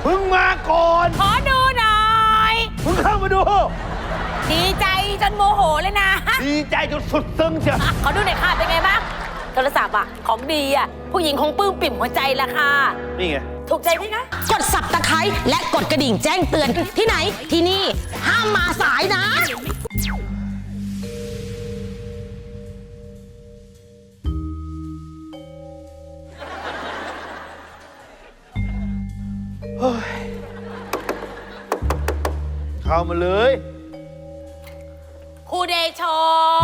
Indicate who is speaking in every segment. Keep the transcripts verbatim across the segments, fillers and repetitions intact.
Speaker 1: มึงมาก่อน
Speaker 2: ขอดูหน่อย
Speaker 1: มึงเข้ามาดู
Speaker 2: ดีใจจนโมโหเลยนะ
Speaker 1: ดีใจจนสุดซึ้งเชียว
Speaker 2: ขอดูหน่อยค่ะเป็นไงบ้างโทรศัพท์อะของดีอะผู้หญิงคงปลื้มปิ่มหัวใจละค่ะ
Speaker 1: นี่ไง
Speaker 2: ถูกใจไหมคะ
Speaker 3: กดสับตะไคร้และกดกระดิ่งแจ้งเตือนที่ไหนที่นี่ห้ามมาสายนะ
Speaker 1: เฮ้ยเข้ามาเลย
Speaker 2: ครูเดโช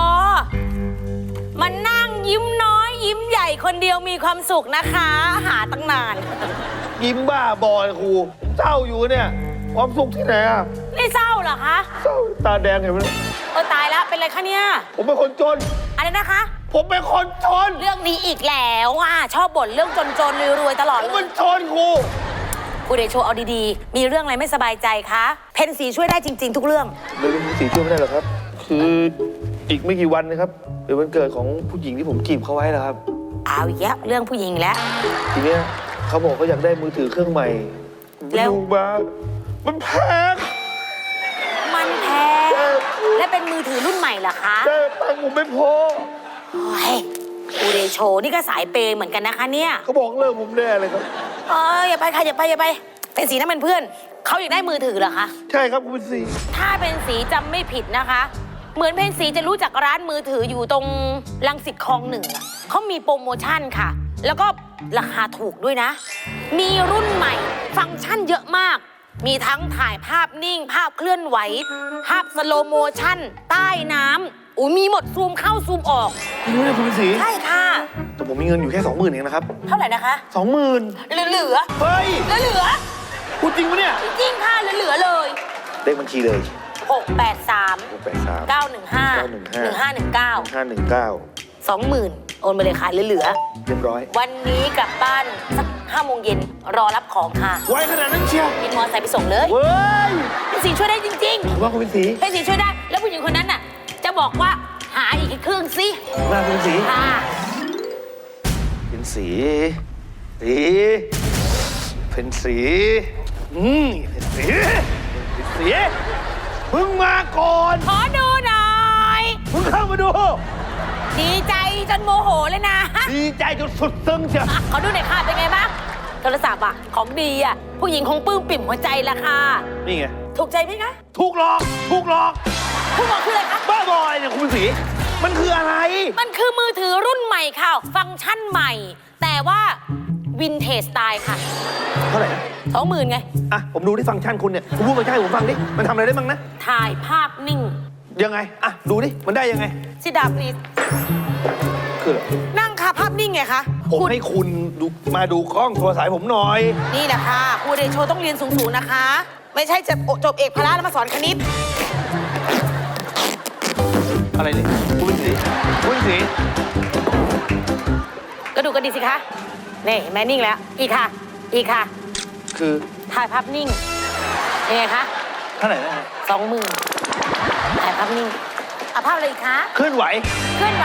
Speaker 2: มันนั่งยิ้มน้อยยิ้มใหญ่คนเดียวมีความสุขนะคะ หาตั้งนาน
Speaker 1: ยิ้มบ้าบอยครูผมเศร้าอยู่เนี่ยความสุขที่ไหนอ่ะ
Speaker 2: นี่เศร้าเหรอคะ
Speaker 1: เศร้าตาแดงเห็นไหม
Speaker 2: เออตายแล้วเป็นไรคะเนี่ย
Speaker 1: ผมเป็นคนจน
Speaker 2: อะไรนะคะ
Speaker 1: ผมเป็นคนจน
Speaker 2: เรื่องนี้อีกแล้วอ่ะชอบบ่นเรื่องจนๆรวยๆตลอด
Speaker 1: ผม
Speaker 2: เล
Speaker 1: เป็
Speaker 2: ย
Speaker 1: นจนครู
Speaker 2: ครูเดโชเอาดีๆมีเรื่องอะไรไม่สบายใจคะเพนสีช่วยได้จริง ๆ ทุกเรื่อง
Speaker 1: เรื่องสีช่วยไม่ได้หรอกครับ คืออีกไม่กี่วันนะครับเป็นวันเกิดของผู้หญิงที่ผมจีบเขาไว้แล้วครับ
Speaker 2: เอาอีกแล้วเรื่องผู้หญิงแล้ว
Speaker 1: ทีเนี้ยเขาบอกเขาอยากได้มือถือเครื่องใหม่
Speaker 2: แล้ว
Speaker 1: ดูมามันแพง
Speaker 2: มันแพงและเป็นมือถือรุ่นใหม่เหรอคะ
Speaker 1: แต่ตังค์ผมไม่พอ
Speaker 2: โอ้ยครูเดโชนี่ก็สายเปย์เหมือนกันนะคะเนี่ย
Speaker 1: เขาบอกเลิกผมแน่เลยครับ
Speaker 2: เอออย่าไปค่ะอย่าไปอย่าไปเป็นสีนั่นเป็นเพื่อนเขาอยากได้มือถือเหรอคะ
Speaker 1: ใช่ครับคุณเป็นสี
Speaker 2: ถ้าเป็นสีจำไม่ผิดนะคะ เหมือนเพนสีจะรู้จักร้านมือถืออยู่ตรงรังสิตคลองหนึ่งอะเขามีโปรโมชั่นค่ะ แล้วก็ราคาถูกด้วยนะ มีรุ่นใหม่ฟังก์ชันเยอะมาก มีทั้งถ่ายภาพนิ่ง ภาพเคลื่อนไหว ภาพสโลโมชั่น ใต้น้ำอุ้ยมีหมดซูมเข้าซูมออก
Speaker 1: ไม่รู้เลยคุณเป็นสี
Speaker 2: ใช่ค่ะ
Speaker 1: แต่ผมมีเงินอยู่แค่สองหมื่นเองนะครับ
Speaker 2: เท่าไหร่นะคะ
Speaker 1: สองหมื่น
Speaker 2: เหลือเหลือ
Speaker 1: เฮ้ย
Speaker 2: เหลือเหลือ
Speaker 1: พูดจริงปะเนี่ย
Speaker 2: จริงค่ะเหลือเหลือเลย
Speaker 1: เลขบัญชีเลย
Speaker 2: หกแปดสาม
Speaker 1: หกแปดสาม
Speaker 2: เก้าหนึ่งห้าหนึ่งห้าหนึ่งเก้า
Speaker 1: ห้าหนึ่งเก้า
Speaker 2: สองหมื่นโอนไปเลยค่ะเหลือ
Speaker 1: เรียบร้อย
Speaker 2: ๆวันนี้กลับบ้านสักห้าโมงเย็นรอรับของค่ะ
Speaker 1: ไวขนาดนั้นเชียว
Speaker 2: บินมอเตอร์ไซค์ไปส่งเลย
Speaker 1: เว้ย
Speaker 2: เป็นสีช่วยได้จริง
Speaker 1: ผมว่าคุณเป็นสี
Speaker 2: ๆเป็นสีช่วยได้ แล้วผู้หญิงคนนั้นน่ะ จะบอกว่าหาอีกเครื่องสิ
Speaker 1: มาคุณเป็นสี
Speaker 2: ค่ะ
Speaker 1: เป็นสีสีเป็นสีอืมเป็นสีเป็นสีมึงมาก่อน
Speaker 2: ขอดูหน่อย
Speaker 1: มึงเข้ามาดู
Speaker 2: ดีใจจนโมโหเลยนะ
Speaker 1: ดีใจจนสุดซึ้งเชียว
Speaker 2: ขอดูหน่อยค่ะเป็นไงบ้างโทรศัพท์อะของดีอะผู้หญิงคงปลื้มปิ่มหัวใจละค่ะ
Speaker 1: นี่ไง
Speaker 2: ถูกใจไหมคะ
Speaker 1: ถูกหลอกถูกหลอก
Speaker 2: คุณบอกคืออะไรคะ
Speaker 1: บ้าบอยเนี่ยคุณเป็นสีมันคืออะไร
Speaker 2: มันคือมือถือรุ่นใหม่ค่ะ ฟังก์ชันใหม่ แต่ว่าวินเทจสไตล์ค่ะ
Speaker 1: เท่าไหร่นะ
Speaker 2: สองหมื่นไง
Speaker 1: อ่ะผมดูที่ฟังก์ชันคุณเนี่ยคุณพูดมาใช่ผมฟังดิมันทำอะไรได้บ้างนะ
Speaker 2: ถ่ายภาพนิ่ง
Speaker 1: ยังไงอ่ะดูดิมันได้ยังไง
Speaker 2: ซิดาพลีส
Speaker 1: คืออะไร
Speaker 2: นั่งค่ะภาพนิ่งไงคะ
Speaker 1: ผม
Speaker 2: คุณ
Speaker 1: ให้คุณดูมาดูกล้องโทรศัพท์ผมหน่อย
Speaker 2: นี่แหละค่ะครูเดโชต้องเรียนสูงๆนะคะ ไม่ใช่จะจบเอกพละแล้วมาสอนคณิต
Speaker 1: อะไรเนี่ยคุณเป็นสีคุณเป็นสี
Speaker 2: ก็ดูกันดีสิคะนี่เห็นไหมนิ่งแล้ว อีกค่ะ อีกค่ะ
Speaker 1: คือ
Speaker 2: ถ่ายภาพนิ่งยังไงคะ
Speaker 1: เท่าไหร่นะ
Speaker 2: สองหมื่นถ่ายภาพนิ่งเอาภาพอะไรอีกคะ
Speaker 1: เคลื่อนไหว
Speaker 2: เคลื่อนไหว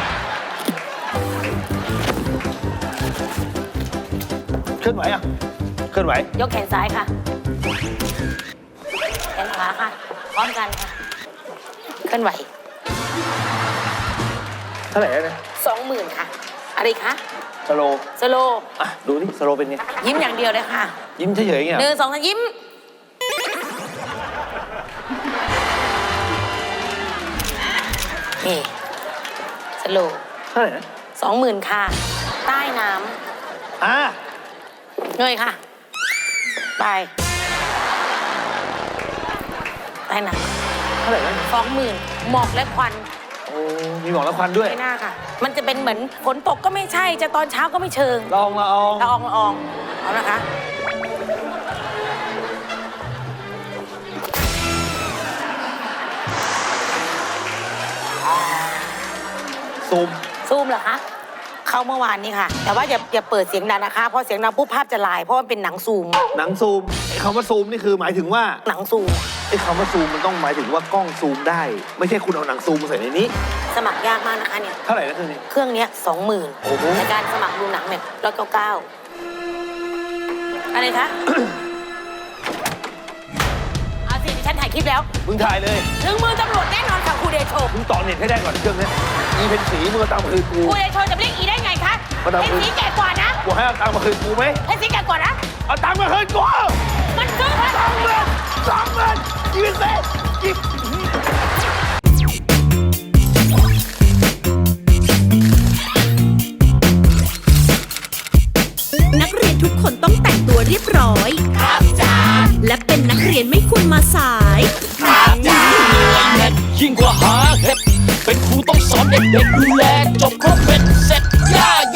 Speaker 1: เคลื่อนไหวอ่ะเคลื่อนไหวย
Speaker 2: กแขนซ้ายค่ะ แขนขวาค่ะ พร้อมกันค่ะ เคลื่อนไหว
Speaker 1: เท่าไหร่นะ
Speaker 2: สองหมื่นค่ะ อะไรอีกคะ
Speaker 1: สโล
Speaker 2: สโลว์
Speaker 1: อ่ะดูนี่สโลเป็นไง
Speaker 2: ยิ้มอย่างเดียวเลยค่ะ
Speaker 1: ยิ้มเฉยๆอย่างเงี้ย
Speaker 2: หนึ่งสองสามยิ้ม นี่ สโลว์
Speaker 1: เท่าไหร่นะ
Speaker 2: สองหมื่นค่ะ ใต้น้
Speaker 1: อ่ะ
Speaker 2: ำเงยค่ะ ไป ใต้น้
Speaker 1: เท่าไหร่นะ
Speaker 2: ำสองหมื่นหมอกและควัน
Speaker 1: โอ้มีหมอกและควันด้วย
Speaker 2: ไม่น่าค่ะ มันจะเป็นเหมือนฝนตกก็ไม่ใช่ จะตอนเช้าก็ไม่เชิง
Speaker 1: ลองละออง
Speaker 2: ละอองละอองเอานะคะ
Speaker 1: ซูม
Speaker 2: ซูมเหรอคะ เข้าเมื่อวานนี้ค่ะ แต่ว่าอย่าอย่าเปิดเสียงดังนะคะ เพราะเสียงดังปุ๊บภาพจะลาย เพราะมันเป็นหนังซูม
Speaker 1: หนังซูมไอ้คำว่าซูมนี่คือหมายถึงว่า
Speaker 2: หนังซูม
Speaker 1: ไอ้คำว่าซูมมันต้องหมายถึงว่ากล้องซูมได้ ไม่ใช่คุณเอาหนังซูมมาใส่ในนี้
Speaker 2: สมัครยากมากนะคะเนี่ย
Speaker 1: เท่าไหร่นะคือนี่
Speaker 2: เครื่องเนี้ยสองหมื่น
Speaker 1: โอ้โห
Speaker 2: ในการสมัครดูหนังเนี่ยร้อยเก้าเก้าอะไรคะคลิปแล้ว
Speaker 1: มึงถ่ายเลย
Speaker 2: ถึงมือตำรวจแน่นอนค่ะครูเดโช
Speaker 1: มึงต่อเน็ตให้ได้ก่อนเครื่องเนี้ยอีเพนสีมึงเอาตังค์มาคืนกู
Speaker 2: ครูเดโชจะเรียกอีได้ไงคะ
Speaker 1: มาดาม
Speaker 2: เพนสีแก่กว่านะ
Speaker 1: กูให้เอาตังค์มาคืนกูไหม
Speaker 2: เพนสีแก่กว่านะ
Speaker 1: เอาตังค์มาคืนกู
Speaker 2: มันซื้อมา
Speaker 1: สองหมื่นสองหมื่นอีเพนสีหยิบ
Speaker 4: นักเรียนทุกคนต้องแต่งตัวเรียบร้อย ครับจ้าและเป็นนักเรียนไม่ควรมาสาย